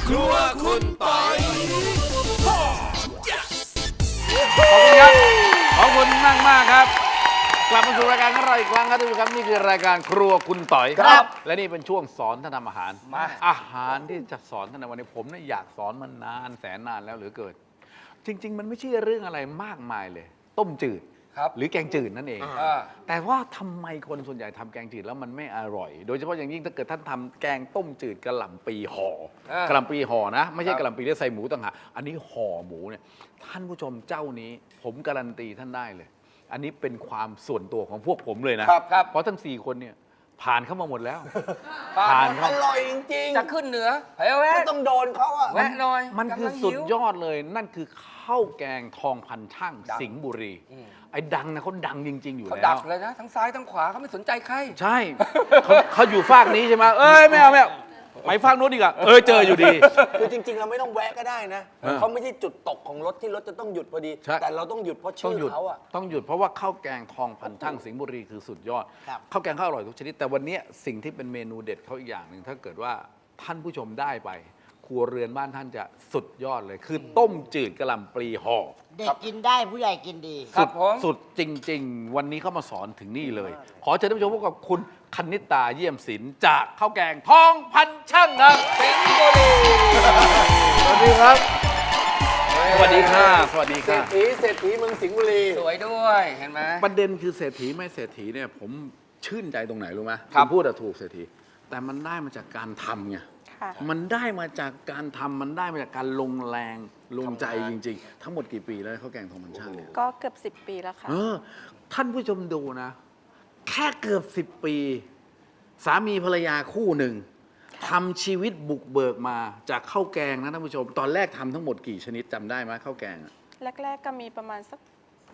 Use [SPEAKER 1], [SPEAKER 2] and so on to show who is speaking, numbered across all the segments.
[SPEAKER 1] ครัวคุณปอย
[SPEAKER 2] ขอบคุณครับขอบคุณมากครับ กลับมาสู่รายการของเราอีกครั้งครับทุกท่านครับนี่คือรายการครัวคุณต่อยครับและนี่เป็นช่วงสอนท่านทำอาหารอาหารที่จะสอนท่านในวันนี้ผมเนี่ยอยากสอนมานานแสนนานแล้วเหลือเกินจริง ๆ มันไม่ใช่เรื่องอะไรมากมายเลย ต้มจืดหรือแกงจืดนั่นเองแต่ว่าทำไมคนส่วนใหญ่ทำแกงจืดแล้วมันไม่อร่อย โดยเฉพาะอย่างยิ่งถ้าเกิดท่านทำแกงต้มจืดกะหล่ำปีห่อกะหล่ำปีห่อนะไม่ใช่กะหล่ำปีที่ใส่หมูต่างหากอันนี้ห่อหมูเนี่ยท่านผู้ชมเจ้านี้ผมการันตีท่านได้เลยอันนี้เป็นความส่วนตัวของพวกผมเลยนะเพราะทั้ง4คนเนี่ยผ่านเข้ามาหมดแล้วผ่าน
[SPEAKER 1] อร่อยจริงๆ
[SPEAKER 3] จะขึ้นเหนือเฮ้ยแวะ
[SPEAKER 1] ก็ต้องโดนเขาอะ
[SPEAKER 3] แวะหน่อย
[SPEAKER 2] มันคือสุดยอดเลยนั่นคือข้าวแกงทองพันช่างสิงห์บุรีไอ้ดังนะเขาดังจริงๆอยู่
[SPEAKER 3] เขา
[SPEAKER 2] แล้ว
[SPEAKER 3] ดักเลยนะทั้งซ้ายทั้งขวาเขาไม่สนใจใคร
[SPEAKER 2] ใช่เขาอยู่ฝากนี้ใช่ไหมเอ้ยไม่เอาไปฝากนู้นดีกว่าเจออยู่ดี
[SPEAKER 1] คือจริงๆเราไม่ต้องแวะก็ได้นะเขาไม่ใช่จุดตกของรถที่รถจะต้องหยุดพอดี แต่เราต้องหยุดเพราะชื่อเขาอะ
[SPEAKER 2] ต้องหยุดเพราะว่าข้าวแกงทองพันช่างสิงห์บุรีคือสุดยอดข้าวแกงเขาอร่อยทุกชนิดแต่วันนี้สิ่งที่เป็นเมนูเด็ดเขาอีกอย่างหนึ่งถ้าเกิดว่าท่านผู้ชมได้ไปครัวเรือนบ้านท่านจะสุดยอดเลย คือต้มจืดกะหล่ำปลีห่อ
[SPEAKER 4] เด็กกินได้ผู้ใหญ่กินดี
[SPEAKER 2] สุดจริง ๆ วันนี้เขามาสอนถึงนี่เลย ขอเชิญท่านผู้ชมพบกับคุณคณิตาเยี่ยมศิลป์จากข้าวแกงทองพันช่างครับสิงห์บุรีสวัสดีครับสวัสดีค่ะสวัสดี
[SPEAKER 1] เศร
[SPEAKER 2] ค่ะ
[SPEAKER 1] ษฐีเศรษฐีเมืองสิงห์บุรี
[SPEAKER 3] สวยด้วยเห็นไหม
[SPEAKER 2] ประเด็นคือเศรษฐีไม่เศรษฐีเนี่ยผมชื่นใจตรงไหนรู้ไหม
[SPEAKER 3] ครับ
[SPEAKER 2] ณพูดอะถูกเศรษฐีแต่มันได้มาจากการทำไงมันได้มาจากการทำมันได้มาจากการลงแรงลงใจจริง ๆ ทั้งหมดกี่ปีแล้วข้าวแกงทองพันช่างเนี่ย
[SPEAKER 5] ก็เกือบ10 ปีแล้วค่ะ
[SPEAKER 2] ท่านผู้ชมดูนะ แค่เกือบ10 ปี สามีภรรยาคู่หนึ่งทำชีวิตบุกเบิกมาจากข้าวแกงนะท่านผู้ชม ตอนแรกทำทั้งหมดกี่ชนิดจำได้ไหมข้าวแกงอะ
[SPEAKER 5] แรก ๆ ก็มีประมาณสัก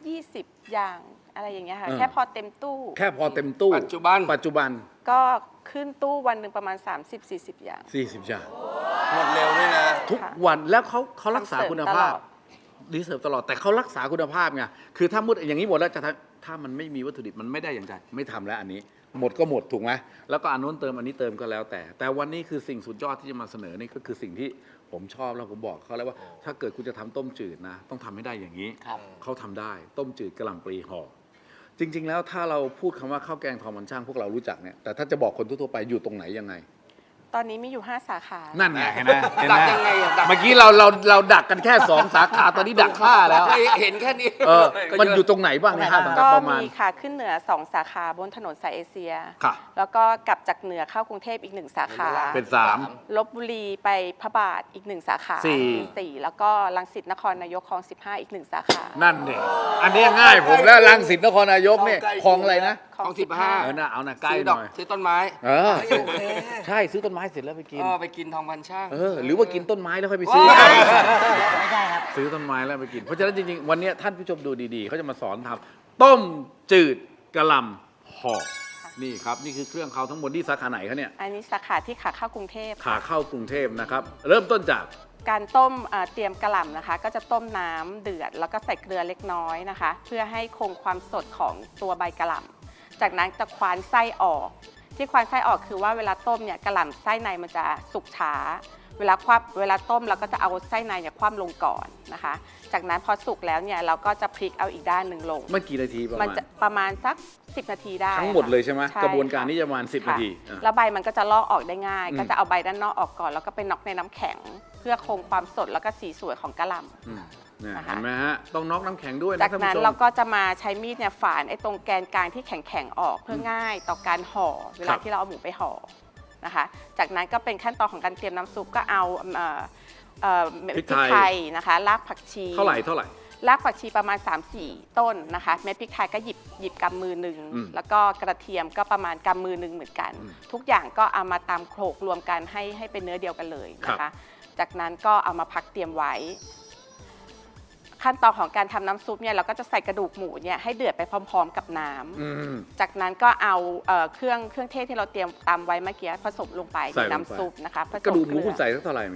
[SPEAKER 5] 20 อย่างอะไรอย่างเงี้ยค่ะ แค่พอเต็มตู้
[SPEAKER 2] แค่พอเต็มตู้
[SPEAKER 3] ปัจจุบัน
[SPEAKER 5] ก็ขึ้นตู้วันหนึ่งประมาณ 30-40 อย่าง
[SPEAKER 2] 40อย่าง
[SPEAKER 1] หมดเร็วด้วยนะ
[SPEAKER 2] ทุกวันแล้วเขารักษา
[SPEAKER 5] ทำเสริม
[SPEAKER 2] คุณภาพ
[SPEAKER 5] ตลอด
[SPEAKER 2] รีเสิร์ฟตลอดแต่เขารักษาคุณภาพไงคือถ้ามุดอย่างนี้หมดแล้วจะถ้ามันไม่มีวัตถุดิบมันไม่ได้อย่างใจไม่ทำแล้วอันนี้ หมดก็หมดถูกไหมแล้วก็อันนู้นเติมอันนี้เติมก็แล้วแต่วันนี้คือสิ่งสุดยอดที่จะมาเสนอนี่ก็คือสิ่งที่ผมชอบแล้วผมบอกเขาแล้วว่า ถ้าเกิดคุณจะทำต้มจืดนะต้องทำให้ได้อย่างนี้เขาทำได้ต้มจืดกะหล่ำปลีห่อจริง ๆ แล้วถ้าเราพูดคำว่าข้าวแกงทองมันช่างพวกเรารู้จักเนี่ยแต่ถ้าจะบอกคนทั่วๆไปอยู่ตรงไหนยังไง
[SPEAKER 5] ตอนนี้มีอยู่ 5 สาขา
[SPEAKER 2] นั่นไงเห็นไหม
[SPEAKER 3] ดักยังไงอะดัก
[SPEAKER 2] เมื่อกี้เราดักกันแค่2 สาขาตอนนี้ดัก5แล้ว
[SPEAKER 3] เห็นแค่นี้
[SPEAKER 2] มันอยู่ตรงไหนบ้างใน5 สาขา
[SPEAKER 5] ก็
[SPEAKER 2] ประมาณ
[SPEAKER 5] มีค่ะขึ้นเหนือ 2 สาขาบนถนนสายเอเชีย
[SPEAKER 2] ค่ะ
[SPEAKER 5] แล้วก็กลับจากเหนือเข้ากรุงเทพอีก 1 สาขา
[SPEAKER 2] เป็น3
[SPEAKER 5] ลบบุรีไปพระบาทอีก 1 สาขา
[SPEAKER 2] สี่
[SPEAKER 5] เป็น4แล้วก็รังสิตนครนายกคลอง 15 อีก 1 สาขา
[SPEAKER 2] นั่นเนี่ยอันนี้ง่ายผมแล้วรังสิตนครนายกเนี่ยคลองอะไรนะ
[SPEAKER 5] คลอง
[SPEAKER 3] คลอง15
[SPEAKER 2] น่ะเอาน่ะใกล้
[SPEAKER 3] ซื้อ
[SPEAKER 2] ห
[SPEAKER 3] ดอก
[SPEAKER 2] น่อย
[SPEAKER 3] ซื้อต้นไม้
[SPEAKER 1] โอเค
[SPEAKER 2] ใช่ซื้อต้นไม้เสร็จแล้วไปกิน
[SPEAKER 3] ไปกินทองพันช่าง
[SPEAKER 2] หรือว่ากินต้นไม้แล้วค่อยไปซื้อ
[SPEAKER 3] ว้าย
[SPEAKER 4] ไม่ใช่ครับ
[SPEAKER 2] ซื้อต้นไม้แล้วไปกิน เพราะฉะนั้นจริงๆวันนี้ท่านผู้ชมดูดีๆเขาจะมาสอนทำต้มจืดกะหล่ำห่อนี่ครับนี่คือเครื่องเขาทั้งหมดที่สาขาไหนเขาเนี่ย
[SPEAKER 5] อันนี้สาขาที่ขาเข้ากรุงเทพ
[SPEAKER 2] ขาเข้ากรุงเทพนะครับเริ่มต้นจาก
[SPEAKER 5] การต้มเตรียมกะหล่ำนะคะ ก็จะต้มน้ำเดือดแล้วก็ใส่เกลือเล็กน้อยนะคะ เพื่อให้คงความสดของตัวใบกะหล่ำจากนั้นจะควานไส้ออกที่ควานไส้ออกคือว่าเวลาต้มเนี่ยกะหล่ำไส้ในมันจะสุกช้าเวลาต้มเราก็จะเอาไส้ในเนี่ยคว่ำลงก่อนนะคะ จากนั้นพอสุกแล้วเนี่ยเราก็จะพลิกเอาอีกด้านหนึ่งลง
[SPEAKER 2] เมื่อกี่นาทีประ
[SPEAKER 5] มัน
[SPEAKER 2] มาณ
[SPEAKER 5] จะประมาณสัก10 นาทีได้
[SPEAKER 2] ทั้งหมดเลยใช่ไหม
[SPEAKER 5] ค่ะ
[SPEAKER 2] กระบวนการนี้จะประมาณ10
[SPEAKER 5] ค่ะ
[SPEAKER 2] นาที
[SPEAKER 5] แล้วใบมันก็จะลอกออกได้ง่าย
[SPEAKER 2] อืม
[SPEAKER 5] ก็จะเอาใบด้านนอกออกก่อน แล้วก็ไปน็อกในน้ำแข็ง เพื่อคงความสดแล้วก็สีสวยของกะหล่ำ
[SPEAKER 2] เนี่ย
[SPEAKER 5] นะคะ
[SPEAKER 2] เห็นไหมฮะต้องน็อกน้ำแข็งด้วยนะ
[SPEAKER 5] จาก
[SPEAKER 2] ท่าน
[SPEAKER 5] นั้น
[SPEAKER 2] ผู้ช
[SPEAKER 5] เรา
[SPEAKER 2] ม
[SPEAKER 5] ก็จะมาใช้มีดเนี่ยฝานไอ้ตรงแกนกลางที่แข็งๆออกเพื่อง่ายต่อการห่อเว
[SPEAKER 2] ครั
[SPEAKER 5] ลา
[SPEAKER 2] บ
[SPEAKER 5] ที่เราเอาหมูไปห่อนะคะ จากนั้นก็เป็นขั้นตอนของการเตรียมน้ำซุปก็เอาพริกไทยนะคะรากผักชี
[SPEAKER 2] เท่าไหร่
[SPEAKER 5] รากผักชีประมาณ 3-4 ต้นนะคะเม็ดพริกไทยก็หยิบกำมือหนึ่ง
[SPEAKER 2] อืม
[SPEAKER 5] แล้วก็กระเทียมก็ประมาณกำมือหนึ่งเหมือนกัน
[SPEAKER 2] อืม
[SPEAKER 5] ทุกอย่างก็เอามาตำโขลกรวมกันให้เป็นเนื้อเดียวกันเลยนะ
[SPEAKER 2] ครั
[SPEAKER 5] คะ
[SPEAKER 2] บ
[SPEAKER 5] จากนั้นก็เอามาพักเตรียมไว้ ขั้นตอนของการทำน้ำซุปเนี่ยเราก็จะใส่กระดูกหมูเนี่ยให้เดือดไปพร้อมๆกับน้ำจากนั้นก็เอาเครื่องเทศที่เราเตรียมตำไว้เมื่อกี้ผสมลงไป
[SPEAKER 2] ใส่
[SPEAKER 5] ใน
[SPEAKER 2] ลงไป
[SPEAKER 5] น้ำซุปนะคะผสม
[SPEAKER 2] กระดูกหมู
[SPEAKER 5] เลือ
[SPEAKER 2] คุณใส่สักเท่าไหร่เมื่อกี้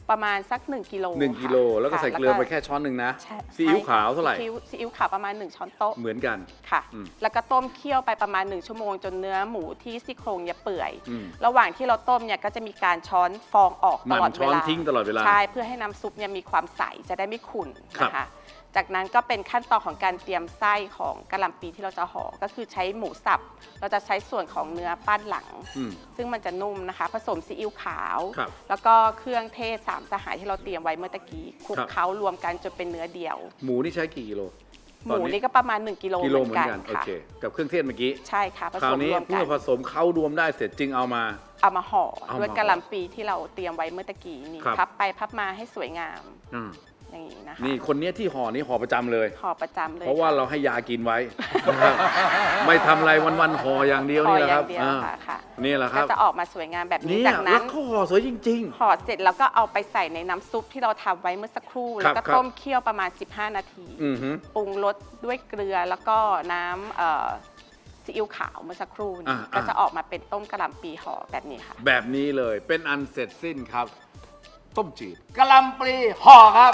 [SPEAKER 5] ประมาณสัก1กิโล
[SPEAKER 2] 1กิโลแล้วก็ใส่เกลือไปแค่ช้อนหนึ่งนะ
[SPEAKER 5] ใช่
[SPEAKER 2] ซีอิ๊วขาวเท่าไหร่
[SPEAKER 5] ซีอิ๊วขาวประมาณ1ช้อนโต๊ะ
[SPEAKER 2] เหมือนกัน
[SPEAKER 5] ค่ะ
[SPEAKER 2] อืม
[SPEAKER 5] แล้วก็ต้มเคี่ยวไปประมาณ1ชั่วโมงจนเนื้อหมูที่ซี่โครงเนี่ยเปื่อย
[SPEAKER 2] อืม
[SPEAKER 5] ระหว่างที่เราต้มเนี่ยก็จะมีการช้อนฟองออกตลอด
[SPEAKER 2] ช้
[SPEAKER 5] เว
[SPEAKER 2] อน
[SPEAKER 5] ลา
[SPEAKER 2] ทิ้งตลอดเวลา
[SPEAKER 5] ใช่เพื่อให้น้ำซุปเนี่ยมีความใสจะได้ไม่ขุ่น
[SPEAKER 2] ครับ
[SPEAKER 5] นะคะจากนั้นก็เป็นขั้นตอนของการเตรียมไส้ของกะหล่ำปีที่เราจะห่อก็คือใช้หมูสับเราจะใช้ส่วนของเนื้อปั้นหลัง
[SPEAKER 2] อืม
[SPEAKER 5] ซึ่งมันจะนุ่มนะคะ ผสมซีอิ๊วขาว
[SPEAKER 2] ครับ
[SPEAKER 5] แล้วก็เครื่องเทศ3สหายที่เราเตรียมไว้เมื่อตะกี้คลุก
[SPEAKER 2] ครับ
[SPEAKER 5] เคล้ารวมกันจนเป็นเนื้อเดียว
[SPEAKER 2] หมูนี่ใช้กี่กิโล
[SPEAKER 5] หมูนี่ก็ประมาณ1กิโล
[SPEAKER 2] กิโล
[SPEAKER 5] เห
[SPEAKER 2] เห
[SPEAKER 5] มื
[SPEAKER 2] มื
[SPEAKER 5] อ
[SPEAKER 2] อน น
[SPEAKER 5] กั
[SPEAKER 2] กัน นโอ
[SPEAKER 5] ค่ะ
[SPEAKER 2] เคกับเครื่องเทศเมื่อกี้
[SPEAKER 5] ใช่ค่ะผ
[SPEAKER 2] ครา
[SPEAKER 5] ส
[SPEAKER 2] ว
[SPEAKER 5] ม
[SPEAKER 2] นี้
[SPEAKER 5] รวม
[SPEAKER 2] เมื่
[SPEAKER 5] กั
[SPEAKER 2] อน ผสมเข้ารวมได้เสร็จจึงเอามา
[SPEAKER 5] เอามาห่อ
[SPEAKER 2] เอามา
[SPEAKER 5] ด้วยกะหล่ำปีที่เราเตรียมไว้เมื่อตะกี้นี้
[SPEAKER 2] ครับ
[SPEAKER 5] พับไปพับมาให้สวยงาม
[SPEAKER 2] อืม
[SPEAKER 5] อย่างนี้นะคะ
[SPEAKER 2] นี่คนเนี้ยที่ห่อนี้ห่อประจำเลย
[SPEAKER 5] ห่อประจำเลย
[SPEAKER 2] เพราะว่า
[SPEAKER 5] ค่
[SPEAKER 2] เราให้ยากินไว้ นะครับไม่ทำอะไรวันๆห่ออย่างเดียว
[SPEAKER 5] ห่อ
[SPEAKER 2] นี่แหละ
[SPEAKER 5] อ
[SPEAKER 2] ค
[SPEAKER 5] ย่า
[SPEAKER 2] รับ
[SPEAKER 5] งเดียว
[SPEAKER 2] อ่า
[SPEAKER 5] ค่ะ
[SPEAKER 2] นี่แหละค
[SPEAKER 5] ก็
[SPEAKER 2] รับ
[SPEAKER 5] จะออกมาสวยงามแบบนี้
[SPEAKER 2] เนี่ย
[SPEAKER 5] จาก
[SPEAKER 2] แล้
[SPEAKER 5] นั้
[SPEAKER 2] วน เขาห่อสวยจริง
[SPEAKER 5] ห่อเสร็จแล้วก็เอาไปใส่ในน้ำซุปที่เราทำไว้เมื่อสักครู่
[SPEAKER 2] ครั
[SPEAKER 5] แล้ว
[SPEAKER 2] บ
[SPEAKER 5] ก็
[SPEAKER 2] ครับ
[SPEAKER 5] ต้มเคี่ยวประมาณ15 นาที
[SPEAKER 2] อือฮึ
[SPEAKER 5] ปรุงรสด้วยเกลือแล้วก็น้ำซีอิ๊วขาวเมื่อสักครู่นี้
[SPEAKER 2] อ่า
[SPEAKER 5] ก็จะออกมาเป็นต้มกะหล่ำปีห่อแบบนี้ค่ะ
[SPEAKER 2] แบบนี้เลยเป็นอันเสร็จสิ้นครับ ต้มจืด
[SPEAKER 3] กะหล่ำปลีห่อครับ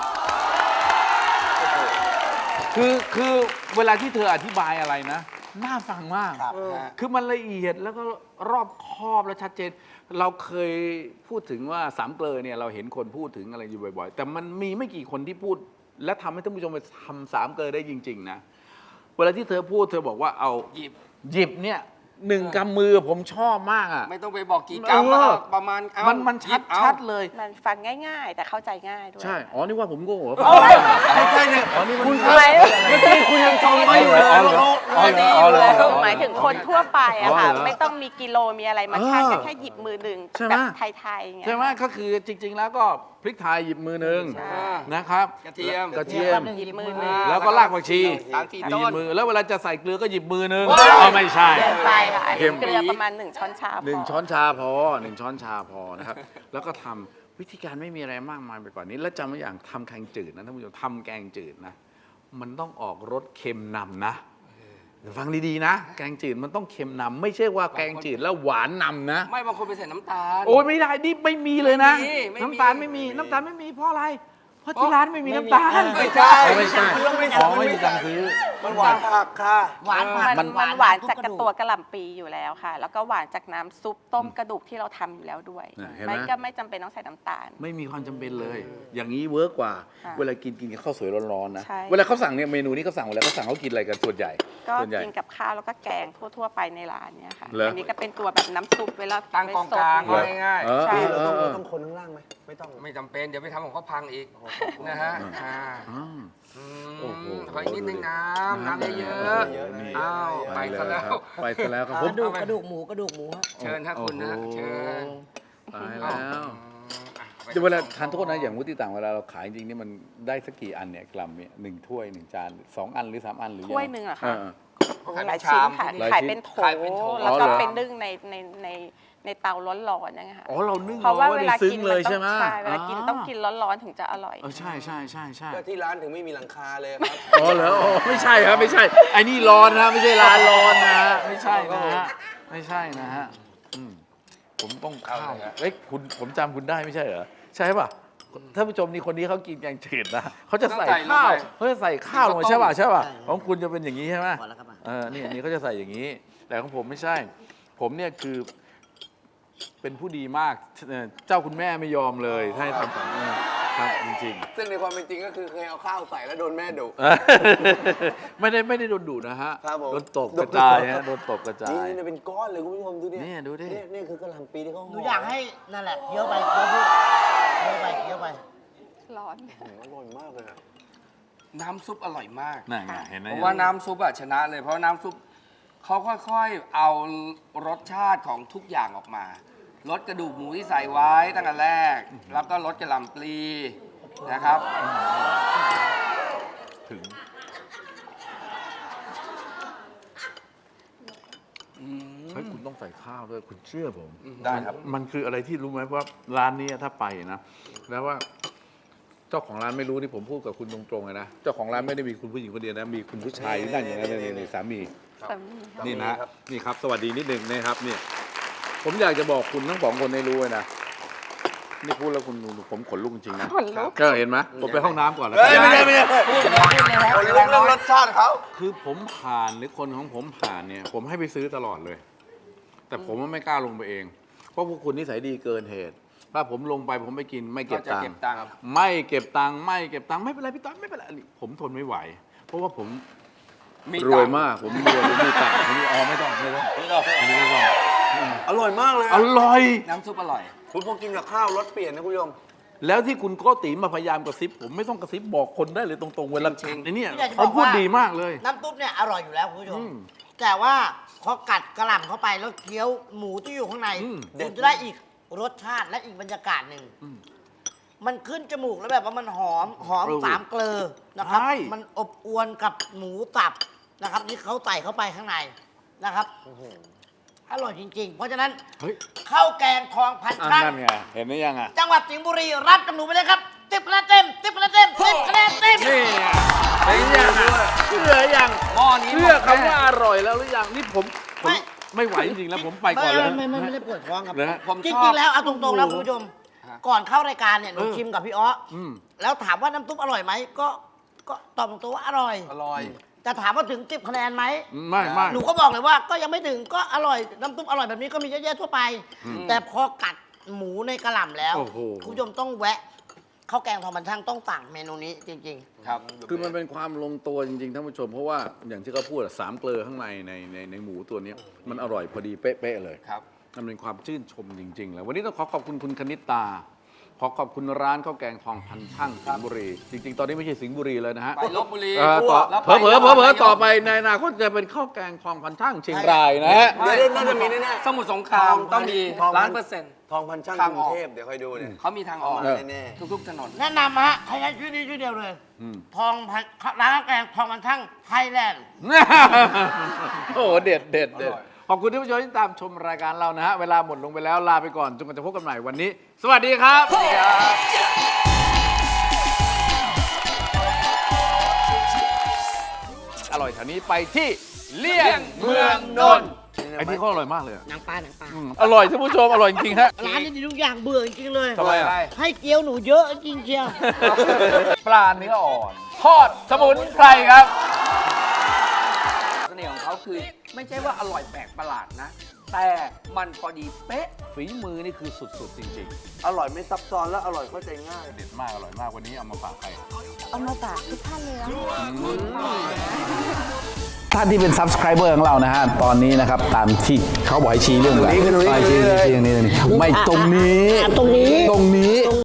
[SPEAKER 2] คือเวลาที่เธออธิบายอะไรนะ น่าฟังมาก
[SPEAKER 1] ครับ
[SPEAKER 2] คือมันละเอียดแล้วก็รอบคอบและชัดเจน เราเคยพูดถึงว่าสามเกลอเนี่ยเราเห็นคนพูดถึงอะไรอยู่บ่อยๆ แต่มันมีไม่กี่คนที่พูด และทำให้ท่านผู้ชมไปทำสามเกลอได้จริง ๆ นะ เวลาที่เธอพูดเธอบอกว่าเอา
[SPEAKER 3] หยิบ
[SPEAKER 2] เนี่ย1 กำมือผมชอบมากอ่ะ
[SPEAKER 3] ไม่ต้องไปบอกกี่กรัม
[SPEAKER 2] เออ
[SPEAKER 3] ประมาณเอา
[SPEAKER 2] มัน
[SPEAKER 3] หยิบเอา
[SPEAKER 2] ชัดเลย
[SPEAKER 5] มันฟังง่ายๆ แต่เข้าใจง่ายด้วย
[SPEAKER 2] ใช่ อ๋อ นี่ว่าผมโง่เหรอ
[SPEAKER 1] ไม่ใช่เนี่ย
[SPEAKER 2] อ๋อ นี่มัน
[SPEAKER 1] คุณ
[SPEAKER 5] หมาย
[SPEAKER 1] เมื่อกี้คุณยังชมเขาอยู่เลยว่าเขา
[SPEAKER 2] อ๋อเหรออ๋อเหรอ
[SPEAKER 5] หมายถึงคนทั่วไปอะค่ะ
[SPEAKER 2] อ๋อเหรอ
[SPEAKER 5] ไม่ต้องมีกิโลมีอะไรมาชั่ง
[SPEAKER 2] เออ
[SPEAKER 5] ก็แค่หยิบมือหนึ่ง
[SPEAKER 2] ใช่ไหม
[SPEAKER 5] แบบไทยๆอย่างเงี้ย
[SPEAKER 2] ใช่ไหมก็คือจริง ๆ แล้วก็พริกไทยหยิบมือหนึ่ง
[SPEAKER 5] ใช่
[SPEAKER 2] นะครับ
[SPEAKER 3] กระเทียม
[SPEAKER 2] กระเทียม
[SPEAKER 5] หยิบมือหนึ่ง
[SPEAKER 2] แล้วก็รากผักชี
[SPEAKER 3] 3-4
[SPEAKER 2] ห
[SPEAKER 3] ต้
[SPEAKER 2] ยิบ
[SPEAKER 3] น
[SPEAKER 2] มือ แล้วเวลาจะใส่เกลือก็หยิบมือหนึ่ง
[SPEAKER 3] ว้าว
[SPEAKER 2] เอาไม่ใช่
[SPEAKER 5] เกินไปค่ะ
[SPEAKER 2] เค็ม
[SPEAKER 5] เกลือประมาณ1ช้อนชาพอ
[SPEAKER 2] 1 ช้อนชาพอ1 ช้อนชาพอนะครับ แล้วก็ทำวิธีการไม่มีอะไรมากมายไปกว่านี้ แล้วจำไว้อย่างทำแกงจืดนะท่านผู้ชมทำแกงจืดนะ มันต้องออกรสเค็มนำนะฟังดีๆนะ แกงจืดมันต้องเค็มนำไม่ใช่ว่าแกงจืดแล้วหวานนำนะ
[SPEAKER 3] ไม่บางคนไปใส่น้ำตาล
[SPEAKER 2] โอ้ยไม่ได้นี่ไม่มีเลยนะ
[SPEAKER 3] ไม่มี
[SPEAKER 2] น้ำตาลไม่มีน้ำตาลไม่มีเพราะอะไร เพราะที่ร้านไม่มีน้ำตาล
[SPEAKER 1] ไม่ใช่
[SPEAKER 2] ไม่ใช่
[SPEAKER 1] มันต้องไม่
[SPEAKER 2] อ๋อ
[SPEAKER 1] มัน
[SPEAKER 2] ไม่
[SPEAKER 1] ไม่
[SPEAKER 2] มีตังค์ซื้อ
[SPEAKER 1] มันหวานผักค่ะ
[SPEAKER 4] หวานผัก
[SPEAKER 5] มันหวานจาก
[SPEAKER 4] ทุ
[SPEAKER 5] ตัวกระหล่ำปีอยู่แล้วค่ะ แล้วก็หวานจากน้ำซุปต้มกระดูกที่เราทำอยู่แล้วด้วย
[SPEAKER 2] เห็นไหม
[SPEAKER 5] ไม่ก็ไม่จำเป็นต้องใส่น้ำตาล
[SPEAKER 2] ไม่มีความจำเป็นเลย อย่างนี้เวิร์กกว่า
[SPEAKER 5] ค่ะ
[SPEAKER 2] เวลากินกับข้าวสวยร้อนๆนะ
[SPEAKER 5] ใช่
[SPEAKER 2] เวลาเขาสั่งเนี่ยเมนูนี้เขาสั่งเวลาเขาสั่งเขากินอะไรกันส่วนใหญ่
[SPEAKER 5] ก็
[SPEAKER 2] ส่วนใหญ่
[SPEAKER 5] กินกับข้าวแล้วก็แกงทั่วๆไปในร้านเนี่ยค่ะ
[SPEAKER 2] เหรออั
[SPEAKER 5] อันนี้ก็เป็นตัวแบบน้ำซุปเวลา
[SPEAKER 3] ตั้งกอง
[SPEAKER 5] ไปซด
[SPEAKER 3] กลาง
[SPEAKER 2] เหรอ
[SPEAKER 3] ง่าย
[SPEAKER 2] เออ
[SPEAKER 5] ใช่
[SPEAKER 2] เออ
[SPEAKER 1] เรา
[SPEAKER 2] เออ
[SPEAKER 1] ต้องคนข้างล่างไหมไม่ต้อง
[SPEAKER 3] ๆ ไม่จำเป็น เดี๋ยวไปทำของเขาพังอีกนะฮะอ่า
[SPEAKER 2] อ่า
[SPEAKER 3] อืม
[SPEAKER 2] โอ้โห
[SPEAKER 3] ขออีกนิดนึงน้ำเยอะ
[SPEAKER 1] เยอะๆ
[SPEAKER 3] ๆอ้าวไปซะแล้ว
[SPEAKER 2] ไปซะแล้วครับ
[SPEAKER 4] ก
[SPEAKER 2] ผม
[SPEAKER 4] ระดูกหมูกระดูกหมูฮะ
[SPEAKER 3] เชิญถ้าคุณนะ
[SPEAKER 2] โอ้โห
[SPEAKER 3] เชิญ
[SPEAKER 2] ตายแล้ว
[SPEAKER 3] อ่ะไป
[SPEAKER 2] เดี๋ยวเวลาทานโทษนะอย่างมุติต่างเวลาเราขายจริงๆนี่มันได้สักกี่อันเนี่ยกรัมเนี่ย1 ถ้วย 1 จาน 2 อันหรือ 3 อันหรือยังไง
[SPEAKER 5] ถ้วยหนึ่งเหรอคะ
[SPEAKER 3] ขาย
[SPEAKER 5] ห
[SPEAKER 3] เป็
[SPEAKER 5] ลาย
[SPEAKER 3] น
[SPEAKER 5] ชิ้น
[SPEAKER 3] ชาม
[SPEAKER 5] ค่ะ
[SPEAKER 2] หลาย
[SPEAKER 5] ขาย
[SPEAKER 2] ชิ้น
[SPEAKER 5] เป็นโถ
[SPEAKER 3] ขายเป็นโถ
[SPEAKER 5] แล้วก็
[SPEAKER 2] อ๋อเหรอ
[SPEAKER 5] เป็นนึ่งในเตาร้อนๆอย่างเงี้ยค่ะ
[SPEAKER 2] อ๋อเรานึ่ง
[SPEAKER 5] เพราะว่า
[SPEAKER 2] อไ
[SPEAKER 5] เวลา
[SPEAKER 2] ซึ้ง
[SPEAKER 5] กิน
[SPEAKER 2] เล
[SPEAKER 5] มัน
[SPEAKER 2] ย
[SPEAKER 5] ต้
[SPEAKER 2] ใช่
[SPEAKER 5] อง
[SPEAKER 2] ไหม
[SPEAKER 5] ใช่เวลากินต้องกินร้อนๆถึงจะอร่อย
[SPEAKER 2] เออใช่ใช่ใช่ใช่
[SPEAKER 1] ก็ที่ร้านถึงไม่มีหลังคาเลยครับ
[SPEAKER 2] อ๋อเหรออ๋อไม่ใช่ครับไม่ใช่ไอ้นี่ร้อนนะไม่ใช่ร้านร้อนนะฮะไม่ใช่นะฮะไม่ใช่นะฮะอืมผมต้องข้าวเอ้ยคุณผมจำคุณได้ไม่ใช่เหรอใช่ป่ะท่านผู้ชมนี่คนนี้เขากินแกงจืดนะเขาจะใส่ข้าวเขาจะใส่ข้าวลงมาใช่ป่ะใช่ป่ะของคุณจะเป็นอย่างนี้ใช่ไหม
[SPEAKER 4] พอแล้วครับ
[SPEAKER 2] นี่อันนี้เขาจะใส่อย่างนี้ แต่ของผมไม่ใช่ ผมเนี่ยคือเป็นผู้ดีมากเจ้าคุณแม่ไม่ยอมเลยให้ทำครับจริง
[SPEAKER 1] ซึ่งในความเป็นจริงก็คือเคยเอาข้าวใส่แล้วโดนแม่ดุ
[SPEAKER 2] ๆ ไม่ได้โดนดุนะฮะ
[SPEAKER 1] ครับผม
[SPEAKER 2] โดนตบกระจายฮะโดนตบกระจาย
[SPEAKER 1] นี่เป็นก้อนเลยคุณผู้ชมดูดิ
[SPEAKER 2] เนี่ยดูดิ
[SPEAKER 1] นี่คือกระหล่ำปีที่เขา
[SPEAKER 4] หนูอยากให้นั่นแหละเคี้ยวไปเคี้ยวไปเคี้ยวไป
[SPEAKER 5] ร้อน
[SPEAKER 1] โอ้โหอร่อยมากเลยอะ
[SPEAKER 3] น้ำซุปอร่อยมาก
[SPEAKER 2] นั่นไงเห็นไหม
[SPEAKER 3] เพราะว่าน้ำซุปอะชนะเลย เพราะน้ำซุปเขาค่อยๆ เอารสชาติของทุกอย่างออกมา ลดกระดูกหมูที่ใส่ไว้ตั้งแต่แรก แล้วก็ลดกระหล่ำปลีนะครับ
[SPEAKER 2] ถึง เฮ้ยคุณต้องใส่ข้าวด้วยคุณเชื่อผม
[SPEAKER 1] ได้ครับ
[SPEAKER 2] มันคืออะไรที่รู้ไหมว่าร้านนี้ถ้าไปนะแล้วว่าเจ้าของร้านไม่รู้นี่ผมพูดกับคุณตรงๆเลยนะเจ้าของร้านไม่ได้มีคุณผู้หญิงคนเดียวนะมีคุณผู้ชายที่นั่งอย่างนั้นนี่สามี
[SPEAKER 5] สามีค่ะ
[SPEAKER 2] นี่นะนี่ครับ สวัสดีนิดหนึ่งนะครับเนี่ยผมอยากจะบอกคุณทั้งสองคนให้รู้เลยนะนี่พูดแล้วคุณดูผมขนลุกจริงๆนะ
[SPEAKER 5] ขนลุก
[SPEAKER 2] ก็เห็นไหมผมไปห้องน้ำก่อนแล้ว
[SPEAKER 1] เฮ้ยไม่ใช่ไม่ใช่
[SPEAKER 3] พูดเลยครับ
[SPEAKER 1] คนรู้เรื่องรสชาติเขา
[SPEAKER 2] คือผมผ่านหรือคนของผมผ่านเนี่ยผมให้ไปซื้อตลอดเลย แต่ผมไม่กล้าลงไปเอง เพราะพวกคุณนิสัยดีเกินเหตุถ้าผมลงไปผมไม่กินไม่เก็บ
[SPEAKER 3] จะ
[SPEAKER 2] ตัง
[SPEAKER 3] เก็บ
[SPEAKER 2] ค์
[SPEAKER 3] ตังค์
[SPEAKER 2] ไม่เก็บตังค์ไม่เป็นไรพี่ต้อยไม่เป็นไรอันนี้ผมทนไม่ไหว เพราะว่าผมรวยมากผมรวยผมมีตังค์ผมมีไม่ต้องอันนี้ไม่ต้อง
[SPEAKER 1] อร่อยมากเลย
[SPEAKER 2] อร่อย
[SPEAKER 3] น้ำซุปอร่อย
[SPEAKER 1] คุณพอกินกับข้าวรสเปลี่ยนนะคุณผู้ชม
[SPEAKER 2] แล้วที่คุณโก้ตีมาพยายามกระซิบผมไม่ต้องกระซิบบอกคนได้เลยตรงๆเวลา
[SPEAKER 3] จริงๆ
[SPEAKER 2] ไอ้เนี่ย
[SPEAKER 4] พี่อยากจะบ
[SPEAKER 2] เขา
[SPEAKER 4] อก
[SPEAKER 2] พูด
[SPEAKER 4] ว่า
[SPEAKER 2] ดีมากเลย
[SPEAKER 4] น้ำตุ๊บเนี่ยอร่อยอยู่แล้วคุณผู้ชม
[SPEAKER 2] อืม
[SPEAKER 4] แต่ว่าพอกัดกระหล่ำเข้าไปแล้วเคี้ยวหมูที่อยู่ข้างใน
[SPEAKER 2] อืม
[SPEAKER 4] คุณจะได้อีกรสชาติและอีกบรรยากาศหนึ่ง มันขึ้นจมูกแล้วแบบว่ามันหอมสามเกลือนะครับ
[SPEAKER 2] ใช่
[SPEAKER 4] มันอบอวนกับหมูสับนะครับที่เขาใส่เข้าไปข้างในนะครับอร่อยจริง ๆ เพราะฉะนั้น
[SPEAKER 2] เฮ้ย
[SPEAKER 4] ข้าวแกงทองพันช่าง
[SPEAKER 2] นั่นไงเห็นไหมยังอ่ะ
[SPEAKER 4] จังหวัดสิงห์บุรีรับกับหนูไปเลยครับ10คะแนนเต็ม10คะแนนเต็ม10คะแนนเต็ม
[SPEAKER 2] นี่ไงเห็นยังอ่ะเชื่อยัง
[SPEAKER 3] หม้อนี้
[SPEAKER 2] เชื่อ
[SPEAKER 3] หมดแน่
[SPEAKER 2] คำว่าอร่อยแล้วหรือยังนี่ผมไม่ไหวจริงๆแล้วผมไปก่อนเลย
[SPEAKER 4] ไม่ได้ปวดท้องครับ
[SPEAKER 2] นะฮะ
[SPEAKER 3] ผม
[SPEAKER 4] จ
[SPEAKER 3] ชอบ
[SPEAKER 4] ริงๆแล้วเอาตรงๆแล้วคุณผู้ชม
[SPEAKER 3] ฮะ
[SPEAKER 4] ก่อนเข้ารายการเนี่ยหนูชิมกับพี่อ้ออ
[SPEAKER 2] ม
[SPEAKER 4] แล้วถามว่าน้ำซุปอร่อยไหมก็ตอบตรงๆว่าอร่อย
[SPEAKER 3] อร่อย
[SPEAKER 4] แต่ถามว่าถึง10คะแนนไหม
[SPEAKER 2] ไม่
[SPEAKER 4] หนูก็บอกเลยว่าก็ยังไม่ถึงก็อร่อยน้ำซุปอร่อยแบบนี้ก็มีเยอะแยะทั่วไป แต่พอกัดหมูในกระหล่ำแล้ว
[SPEAKER 2] โอ้โห
[SPEAKER 4] คุณผู้ชมต้องแวะข้าวแกงทองมันช่างต้องสั่งเมนูนี้จริง
[SPEAKER 3] ครับ
[SPEAKER 2] คือมันเป็นความลงตัวจริงๆท่านผู้ชม เพราะว่าอย่างที่เขาพูดอะสามเกลือข้างในในหมูตัวเนี้ยมันอร่อยพอดีเป๊ะๆเลย
[SPEAKER 3] ครับ
[SPEAKER 2] มันเป็นความชื่นชมจริงๆแล้ววันนี้ต้องขอบคุณคุณคณิตตา ขอขอบคุณร้านข้าวแกงทองพันช่างสิงห์บุรี จริง ๆ ตอนนี้ไม่ใช่สิงห์บุรีเลยนะฮะ
[SPEAKER 3] ไปลบบุรี
[SPEAKER 2] ต่อ
[SPEAKER 3] แล้วไป
[SPEAKER 2] เผลอๆต่อไปในอนาคตจะเป็นข้าวแกงทองพันช่างเชียงรายนะฮะ
[SPEAKER 1] เดี๋ยวน่าจะมีแน่
[SPEAKER 3] สมุทรสงครามต้องมี
[SPEAKER 1] ทองพัน
[SPEAKER 3] 1,000,000
[SPEAKER 1] ๆทองพันช่าง
[SPEAKER 3] ทาง
[SPEAKER 1] กรุ
[SPEAKER 3] ออง ก
[SPEAKER 1] เทพเดี๋ยวคอยดูเนี่ย
[SPEAKER 3] เขามีทางออก
[SPEAKER 1] เอามาแน่
[SPEAKER 3] ทุกๆถนน
[SPEAKER 4] ๆ แนะนำฮะใครใช้ชื่อนี้ชื่อเดียวเลย
[SPEAKER 2] อืม
[SPEAKER 4] ทองพันร้านข้าวแกงทองมันช่างไทยแลนด์
[SPEAKER 2] โอ้โหเด็ดเด็ดเด็ด
[SPEAKER 3] อร่อย
[SPEAKER 2] ขอบคุณที่ผู้ชมที่ตามชมรายการเรานะฮะ เวลาหมดลงไปแล้วลาไปก่อนจนกว่าจะพบกันใหม่วันนี้ สวัสดีครับ อร่อยแถวนี้ไปที่เลี่ยงเมืองนนท์ไอ้นี่เขาอร่อยมากเลยอะ
[SPEAKER 4] หนังปลา
[SPEAKER 2] อร่อยท่านผู้ชมอร่อยจริงๆฮะ
[SPEAKER 4] ร้านนี้ดีทุกอย่างเบื่อจริงๆเลย
[SPEAKER 2] ทำไมอะ
[SPEAKER 4] ให้เกี๊ยวหนูเยอะจริงเชียว
[SPEAKER 2] ปลาเนื้ออ่อนทอดสมุนไพรครับ
[SPEAKER 3] เสน่ห์ของเขาคือไม่ใช่ว่าอร่อยแปลกประหลาดนะ แต่มันพอดีเป๊ะ
[SPEAKER 2] ฝีมือนี่คือสุดๆจริง
[SPEAKER 1] อร่อยไม่ซับซ้อนและอร่อยเข้าใจง่าย
[SPEAKER 2] ๆ เด็ดมากอร่อยมากวันนี้เอามาฝากใคร
[SPEAKER 5] เอามาฝากทุกท่านเลยนะ
[SPEAKER 2] ท่านที่เป็น subscriber ของเรานะฮะ ตอนนี้นะครับ ตามที่เขาบอกให้ชี้เรื่องอะไร
[SPEAKER 1] ตรงนี้
[SPEAKER 2] ชี้ไม่ตรงนี้
[SPEAKER 4] ตรงนี้